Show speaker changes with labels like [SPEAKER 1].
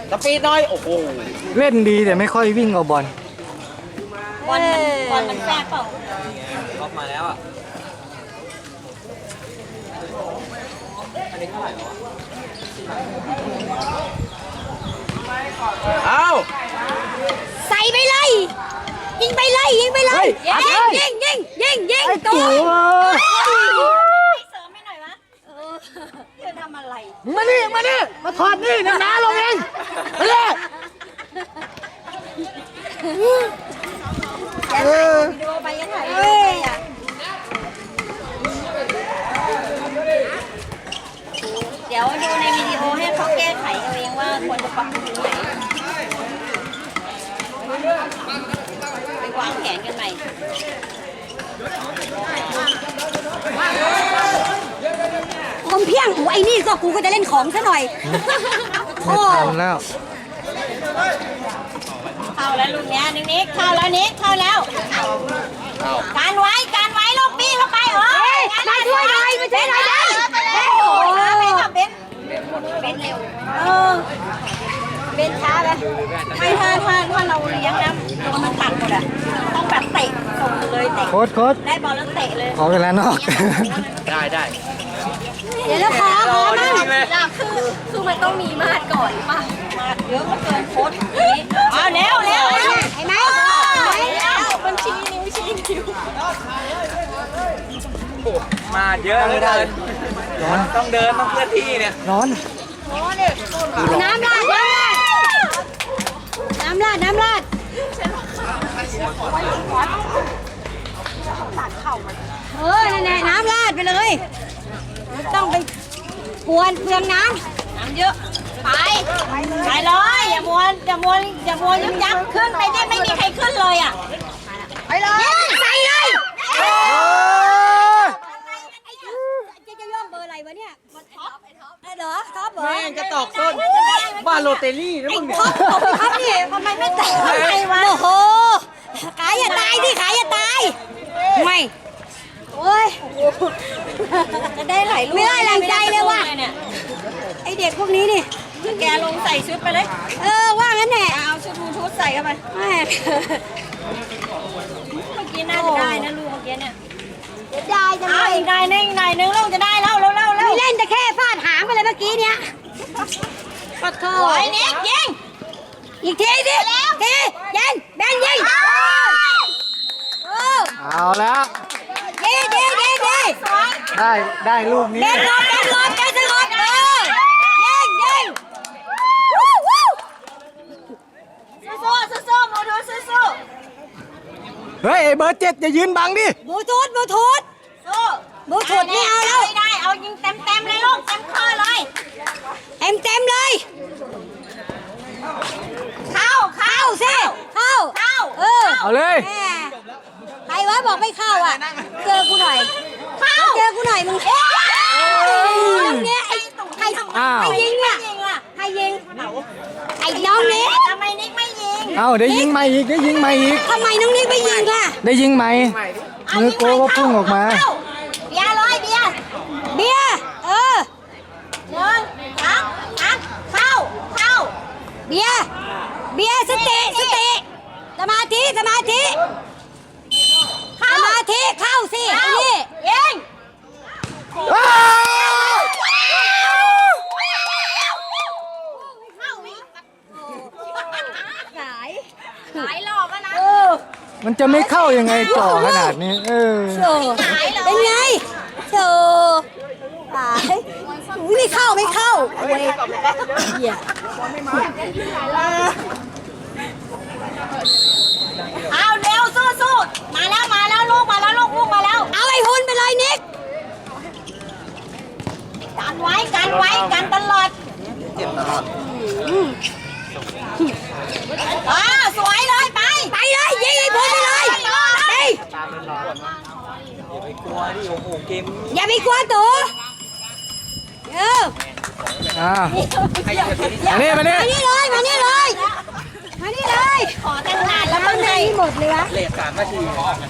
[SPEAKER 1] สปีดหน่อยโอ้โห
[SPEAKER 2] เล่นดีแต่ไม่ค่อยวิ่งเอาบอล
[SPEAKER 3] บอลมันแฝงเปล่า
[SPEAKER 1] ล็อกมาแล้วอ่ะอันนี้เท่าไหร่วะเอา
[SPEAKER 3] ใส่ไปเลยยิงไปเลยยิงไปเลยยิงตัว เสริมให้หน่อยวะจะทำอะไร
[SPEAKER 2] มานี่มาถอดนี่น้าลงเองไปเลย
[SPEAKER 3] จะถ่ายวิดีโอไปยังไงเดี๋ยวดูในวิดีโอให้เขาแก้ไขเอาเองว่าควรจะปรับปรุงไหนไปวางแผนกันใหม่คมเพียงไอ้นี่ก็กูก็จะเล่นของซะหน่อย
[SPEAKER 2] ไม่ทันแล้ว
[SPEAKER 3] เข้าแล้วลูกเนี้ยนิกเข้าแล้วนิกเข้าแล้วการไว้ลูกบี้เข้าไปมาช่วยหน่อยมาช่วยหน่อยได้โอ้โหไปกับเบนเร็วเบนช้าไปไม่ถ้าเราเลี้ยงนะโดนมันตัดหมดอ่ะต้องแบบเตะส่งเลยเตะ
[SPEAKER 2] โค้ช
[SPEAKER 3] ได้บอลแล้วเตะเลย
[SPEAKER 2] ขอเวลานอก
[SPEAKER 1] ได้
[SPEAKER 3] เดี๋ยวแล้วขอมา
[SPEAKER 1] อยาก
[SPEAKER 3] คือมันต้องมีมาดก่อนป่ะมาดเยอะก็เกินโค้ดเอาเร็วเห็นไหมมันชี้นิ้วชี้นิ้ว
[SPEAKER 1] มาเยอะเลยเดินต้องเดินต้องเคลื่อนที่เนี่ย
[SPEAKER 2] ร้อน
[SPEAKER 3] น้ำราดนั่นแหละน้ำราดไปเลยต้องไปกวนเปลืองน้ำเยอะไปเลยอย่ามัวยึกยักขึ้นไปได้ไม่มีใครขึ้นเลยอ่ะไปเลยใส่เลยจะย่องเบอร์อะไรวะเนี่ยท็อปเหรอท็อปเหรอ
[SPEAKER 1] แม่งจะตอกส้นบ้านโรเตอรี่นะมึงเนี่ย
[SPEAKER 3] ท็อปนี่ทำไมไม่แต่งอะไรวะโอ้โหขายอย่าตายดิขายอย่าตายไม่โอ้ยจะได้หลายลูกไม่ได้แรงใจเลยว่ะไอเด็กพวกนี้นี่แกลงใส่ชุดไปเลยว่างั้นแหละเอาชุดบลูทูธใส่เข้าไปเมื่อกี้น่าจะได้นะลูกเมื่อกี้เนี่ยได้จังเลยอีกนายนึงลูกจะได้แล้วไม่เล่นจะแค่ฟาดหางไปเลยเมื่อกี้เนี้ยปัดเข้าไอ้เน็กยิงอีกทีดิยิงแบนยิง
[SPEAKER 2] เอาแล้ว ได้ลูกนี้
[SPEAKER 3] เบนรถยิงสู้โมดูสู้
[SPEAKER 2] เฮ้ยไอ้เบอร์7อย่ายืนบังดิ
[SPEAKER 3] บลูทูธสู้บลูทูธไม่เอาแล้วไม่ได้เอายิงเต็มเลยลูกเต็มข้อเลยเต็มเลยเข้าสิเข้า
[SPEAKER 2] เอาเลย
[SPEAKER 3] ใครวะบอกไม่เข้าอ่ะเจอกูหน่อยมึงเนี่ยใครยิงอ่ะใครยิงไอ้น้องนิกทำไมนิกไม่ยิง
[SPEAKER 2] เอาได้ยิงใหม่อีก
[SPEAKER 3] ทำไมน้องนิกไม่ยิงล่ะ
[SPEAKER 2] ได้ยิงใหม่มือโกก็พุ่งออกมา
[SPEAKER 3] เบียร์100เบียร์1 2 3เข้าเบียร์สติสมาธิเข้าสินี่ยิงขายหลอกนะ
[SPEAKER 2] มันจะไม่เข้ายังไงจ่อขนาดนี้
[SPEAKER 3] เป็นไงขายไม่เข้าเหี้ยเอาเร็วสู้มาแล้วลูกมาแล้วเอาไอ้หุ่นไปเลยนิกกันไว้ตลอด
[SPEAKER 1] เจ็บตลอด
[SPEAKER 3] สวยเลยไปเลยยิงไอ้หุ่นไปเลย
[SPEAKER 1] ตามเป็นหลอดอย่าไปกลัวดิโอ้โหเกม
[SPEAKER 3] อย่าไปกลัวตัว
[SPEAKER 2] มานี่
[SPEAKER 3] เลยขอตั้งนานแล้วข้างในหมดเลยวะ
[SPEAKER 1] เลท3 นาที